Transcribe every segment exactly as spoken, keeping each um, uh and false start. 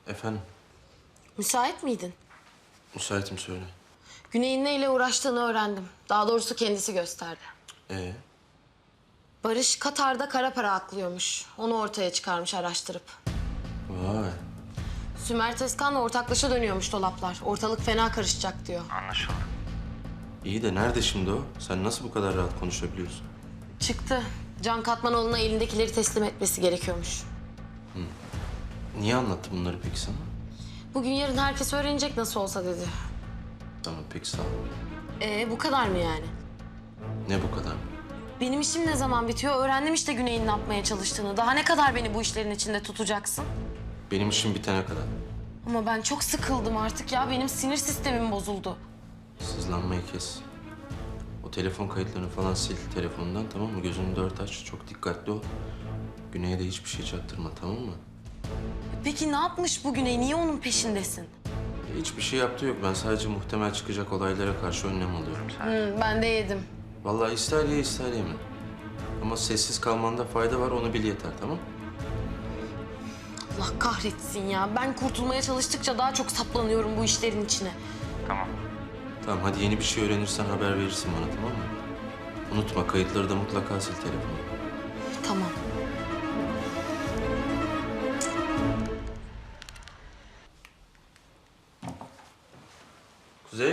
Efendim, Müsait miydin? müsaitim söyle. Güney'in neyle uğraştığını öğrendim. Daha doğrusu kendisi gösterdi. Ee, Barış Katar'da kara para aklıyormuş. Onu ortaya çıkarmış araştırıp. vay. Sümer Tezkan'la ortaklaşa dönüyormuş dolaplar. Ortalık fena karışacak diyor. İyi de nerede şimdi o? Sen nasıl bu kadar rahat konuşabiliyorsun? Çıktı. Can Katmanoğlu'na elindekileri teslim etmesi gerekiyormuş. Niye anlattı bunları peki sana? Bugün yarın herkes öğrenecek nasıl olsa dedi. Tamam, peki sağ ol. Ee bu kadar mı yani? Ne bu kadar? Benim işim ne zaman bitiyor? Öğrendim işte Güney'in ne yapmaya çalıştığını. Daha ne kadar beni bu işlerin içinde tutacaksın? Benim işim bitene kadar. Ama ben çok sıkıldım artık ya. Benim sinir sistemim bozuldu. Sızlanmayı kes. O telefon kayıtlarını falan sil telefonundan, tamam mı? Gözünü dört aç, çok dikkatli ol. Güney'e de hiçbir şey çaktırma, tamam mı? Peki ne yapmış bu Güney? Niye onun peşindesin? Hiçbir şey yaptığı yok. Ben sadece muhtemel çıkacak olaylara karşı önlem alıyorum. Hı, ben de yedim. Vallahi ister ye ister yeme. Ama sessiz kalmanda fayda var, onu bil yeter, tamam mı? Allah kahretsin ya. Ben kurtulmaya çalıştıkça daha çok saplanıyorum bu işlerin içine. Tamam, hadi yeni bir şey öğrenirsen haber verirsin bana, tamam mı? Unutma, kayıtları da mutlaka sil telefonu. Tamam. Kuzey.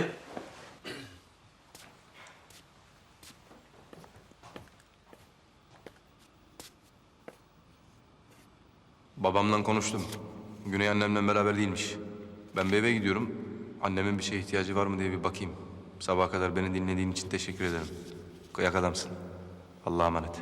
Babamla konuştum. Güney annemle beraber değilmiş. Ben bir eve gidiyorum. Annemin bir şeye ihtiyacı var mı diye bir bakayım. Sabaha kadar beni dinlediğin için teşekkür ederim. Kıyak adamsın. Allah'a emanet.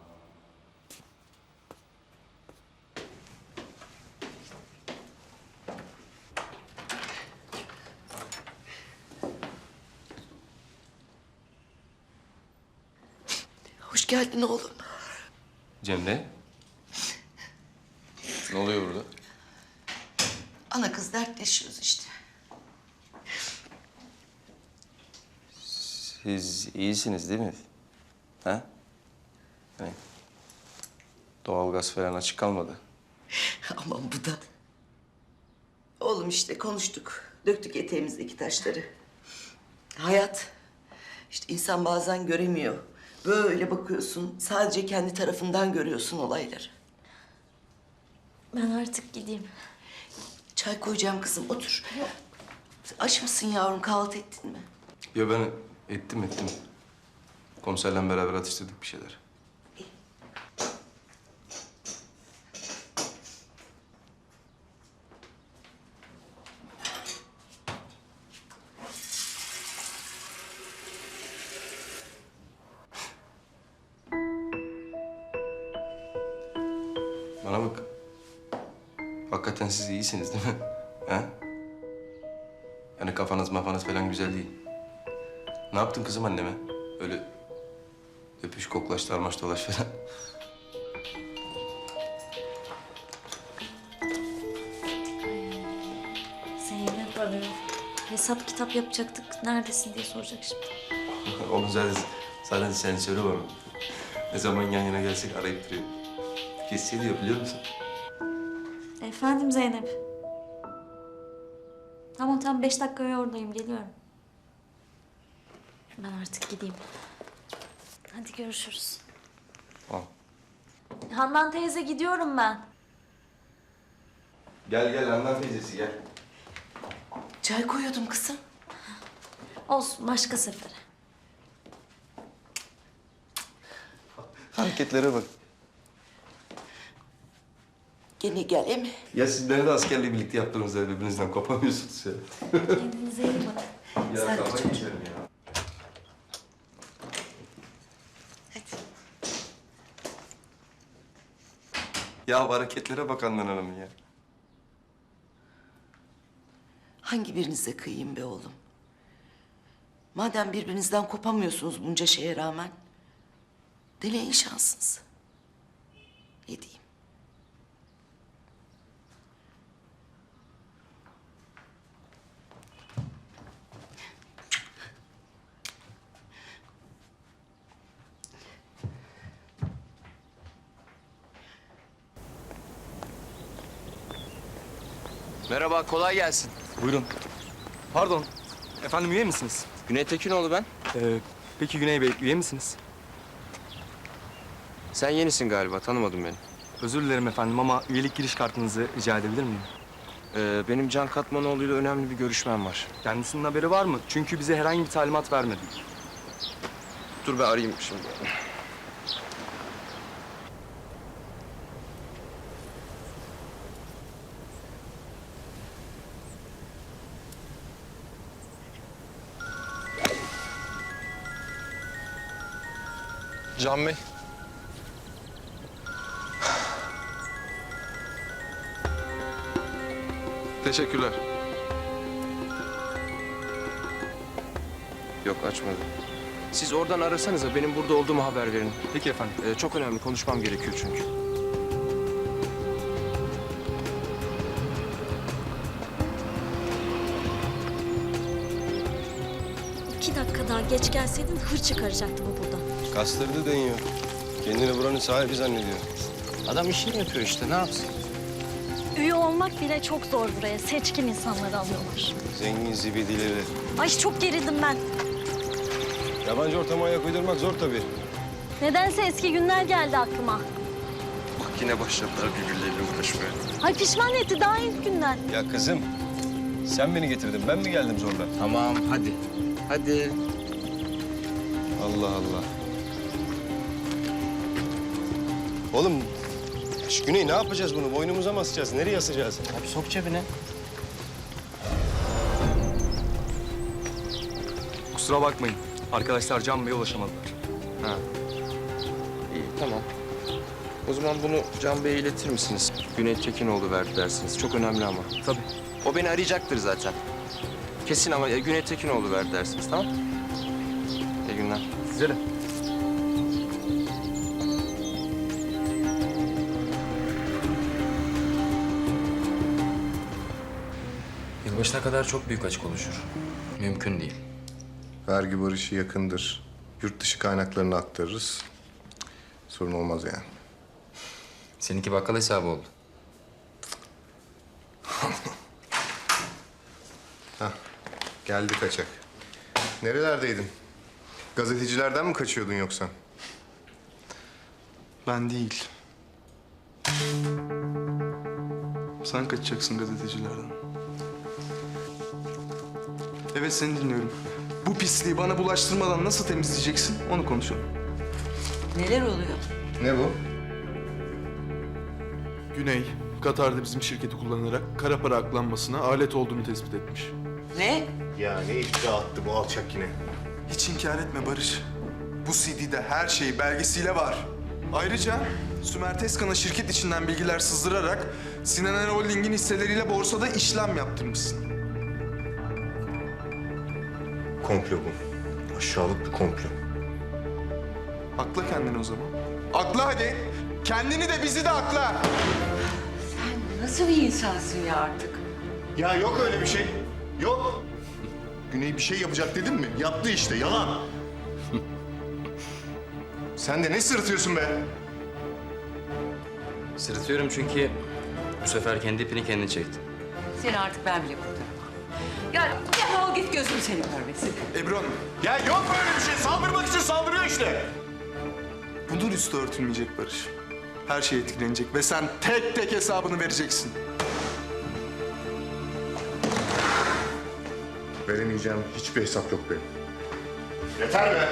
Hoş geldin oğlum. Cemre. Ne oluyor burada? Ana kız dertleşiyoruz işte. Siz iyisiniz değil mi? Ha? Yani doğalgaz falan açık kalmadı. Aman bu da. Oğlum işte konuştuk. Döktük eteğimizdeki taşları. Hayat. İşte insan bazen göremiyor. Böyle bakıyorsun. Sadece kendi tarafından görüyorsun olayları. Ben artık gideyim. Çay koyacağım kızım. Otur. Aç mısın yavrum? Kahvaltı ettin mi? Ya ben ettim ettim. Komiserle beraber atıştırdık bir şeyler. Bana bak. Hakikaten siz iyisiniz değil mi? Ha? Yani kafanız mafanız falan güzel değil. Ne yaptın kızım anneme? Öyle öpüş, koklaş, darmaş, dolaş falan. Zeynep arıyor. Hesap kitap yapacaktık. Neredesin diye soracak şimdi. Onu zaten, zaten sen söyle bana. Ne zaman yan yana gelsek arayıp duruyor. Hissediyor biliyor musun? Efendim Zeynep. Tamam tamam beş dakikaya oradayım geliyorum. Ben artık gideyim. Hadi görüşürüz. Al. Handan teyze gidiyorum ben. Gel gel Handan teyzesi gel. Çay koyuyordum kızım. Olsun başka sefere. Hareketlere bak. Gene gel emi. Ya siz beni de askerle birlikte yaptığınız da birbirinizden kopamıyorsunuz ya. Kendinize iyi bakın. Ya Sen de kafayı çocuğum. yerim ya. Hadi. Ya hareketlere bak Handan Hanım'ın ya. Hangi birinize kıyayım be oğlum? Madem birbirinizden kopamıyorsunuz bunca şeye rağmen... deneyin şansınızı. Ne diyeyim? Merhaba, kolay gelsin. Buyurun. Pardon. Efendim üye misiniz? Güney Tekinoğlu ben. Ee, peki Güney Bey üye misiniz? Sen yenisin galiba, tanımadın beni. Özür dilerim efendim ama üyelik giriş kartınızı rica edebilir miyim? Ee, benim Can Katmanoğlu'yla önemli bir görüşmem var. Kendisinin haberi var mı? Çünkü bize herhangi bir talimat vermedi. Dur ben arayayım şimdi. Can Bey. Teşekkürler. Yok açmadı. Siz oradan arasanıza benim burada olduğumu haber verin. Peki efendim. Ee, çok önemli, konuşmam gerekiyor çünkü. İki dakika daha geç gelseydin hır çıkaracaktı bu buradan. Kastırdı deniyor. Kendini buranın sahibi zannediyor. Adam işini yapıyor işte, ne yapsın? Üye olmak bile çok zor buraya. Seçkin insanları alıyorlar. Zengin zibidileri. Ay çok gerildim ben. Yabancı ortama ayak uydurmak zor tabii. Nedense eski günler geldi aklıma. Bak yine başladılar birbirleriyle uğraşmaya. Ay pişman etti daha ilk günden. Ya kızım, sen beni getirdin. Ben mi geldim zorla? Tamam, hadi. Hadi. Allah Allah. Oğlum, şu Güney ne yapacağız bunu? Boynumuza mı asacağız? Nereye asacağız? Abi sok cebine. Kusura bakmayın. Arkadaşlar Can Bey'e ulaşamadılar. Ha. İyi, tamam. O zaman bunu Can Bey'e iletir misiniz? Güney Tekinoğlu verdi dersiniz. Çok önemli ama. Tabii. O beni arayacaktır zaten. Kesin ama e, Güney Tekinoğlu verdi dersiniz, tamam? İyi günler. Size de. Yılbaşına kadar çok büyük açık oluşur. Mümkün değil. Vergi barışı yakındır. Yurt dışı kaynaklarını aktarırız. Sorun olmaz yani. Seninki bakkal hesabı oldu. Hah, geldi kaçak. Nerelerdeydin? Gazetecilerden mi kaçıyordun yoksa? Ben değil. Sen kaçacaksın gazetecilerden. Evet, seni dinliyorum. Bu pisliği bana bulaştırmadan nasıl temizleyeceksin? Onu konuşalım. Neler oluyor? Ne bu? Güney, Katar'da bizim şirketi kullanarak kara para aklanmasına alet olduğunu tespit etmiş. Ne? Ya ne iftira attı bu alçak yine? Hiç inkar etme Barış. Bu C D'de her şey belgesiyle var. Ayrıca Sümer Tezkan'a şirket içinden bilgiler sızdırarak Sinan Er Holding'in hisseleriyle borsada işlem yaptırmışsın. Komplo bu. Aşağılık bir komplo. Akla kendini o zaman. Akla hadi. Kendini de bizi de akla. Nasıl bir insansın ya artık? Ya yok öyle bir şey. Yok. Güney bir şey yapacak dedim mi? Yaptı işte. Yalan. Sen de ne sırıtıyorsun be? Sırıtıyorum çünkü bu sefer kendi ipini kendi çekti. Seni artık ben bile kurtaramam. Ya defol git gözüm seni görmesin. Ebru Hanım, Ya yok böyle bir şey. Saldırmak için saldırıyor işte. bunun üstü örtülmeyecek Barış. Her şey etkilenecek ve sen tek tek hesabını vereceksin. Veremeyeceğim hiçbir hesap yok benim. Yeter be!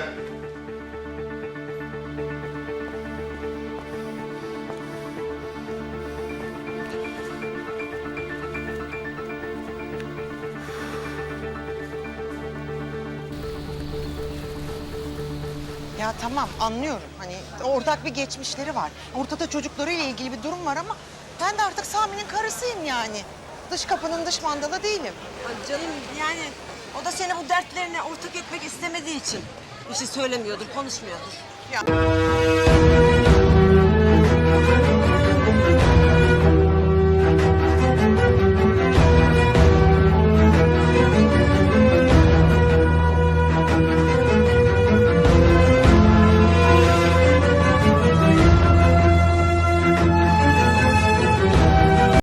Ya tamam anlıyorum. Hani ortak bir geçmişleri var. Ortada çocuklarıyla ilgili bir durum var ama ben de artık Sami'nin karısıyım yani. Dış kapının dış mandalı değilim. Ay canım yani o da seni bu dertlerine ortak etmek istemediği için bir şey söylemiyordur, konuşmuyordur. Ya